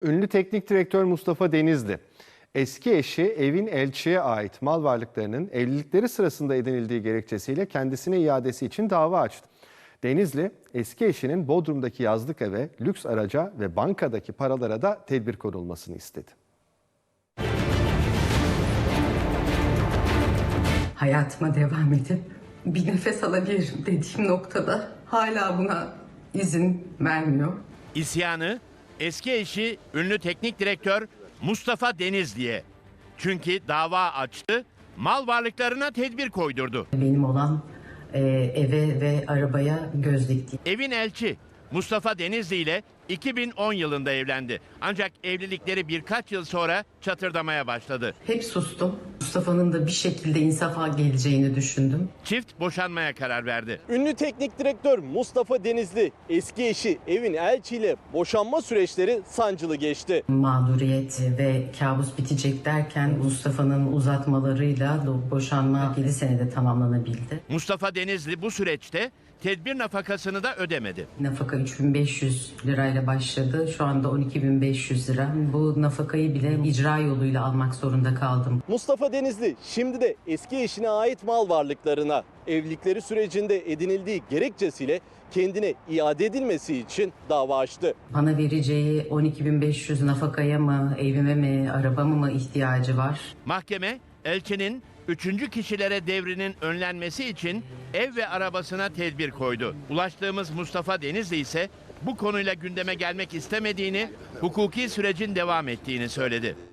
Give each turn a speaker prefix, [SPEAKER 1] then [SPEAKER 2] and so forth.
[SPEAKER 1] Ünlü teknik direktör Mustafa Denizli, eski eşi Evin Elçi'ye ait mal varlıklarının evlilikleri sırasında edinildiği gerekçesiyle kendisine iadesi için dava açtı. Denizli, eski eşinin Bodrum'daki yazlık eve, lüks araca ve bankadaki paralara da tedbir konulmasını istedi.
[SPEAKER 2] Hayatıma devam edip bir nefes alabilirim dediğim noktada hala buna izin vermiyor.
[SPEAKER 3] İsyanı eski eşi ünlü teknik direktör Mustafa Denizli'ye. Çünkü dava açtı, mal varlıklarına tedbir koydurdu.
[SPEAKER 2] Benim olan eve ve arabaya göz dikti.
[SPEAKER 3] Evin Elçi Mustafa Denizli ile 2010 yılında evlendi. Ancak evlilikleri birkaç yıl sonra çatırdamaya başladı.
[SPEAKER 2] Hep sustum. Mustafa'nın da bir şekilde insafa geleceğini düşündüm.
[SPEAKER 3] Çift boşanmaya karar verdi.
[SPEAKER 4] Ünlü teknik direktör Mustafa Denizli, eski eşi Evin Elçi ile boşanma süreçleri sancılı geçti.
[SPEAKER 2] Mağduriyet ve kabus bitecek derken Mustafa'nın uzatmalarıyla boşanma 7 senede tamamlanabildi.
[SPEAKER 3] Mustafa Denizli bu süreçte tedbir nafakasını da ödemedi.
[SPEAKER 2] Nafaka 3.500 lirayla başladı. Şu anda 12.500 lira. Bu nafakayı bile icra yoluyla almak zorunda kaldım.
[SPEAKER 4] Mustafa Denizli şimdi de eski eşine ait mal varlıklarına evlilikleri sürecinde edinildiği gerekçesiyle kendine iade edilmesi için dava açtı.
[SPEAKER 2] Bana vereceği 12.500 nafakaya mı, evime mi, arabama mı ihtiyacı var?
[SPEAKER 3] Mahkeme, Elçi'nin üçüncü kişilere devrinin önlenmesi için ev ve arabasına tedbir koydu. Ulaştığımız Mustafa Denizli ise bu konuyla gündeme gelmek istemediğini, hukuki sürecin devam ettiğini söyledi.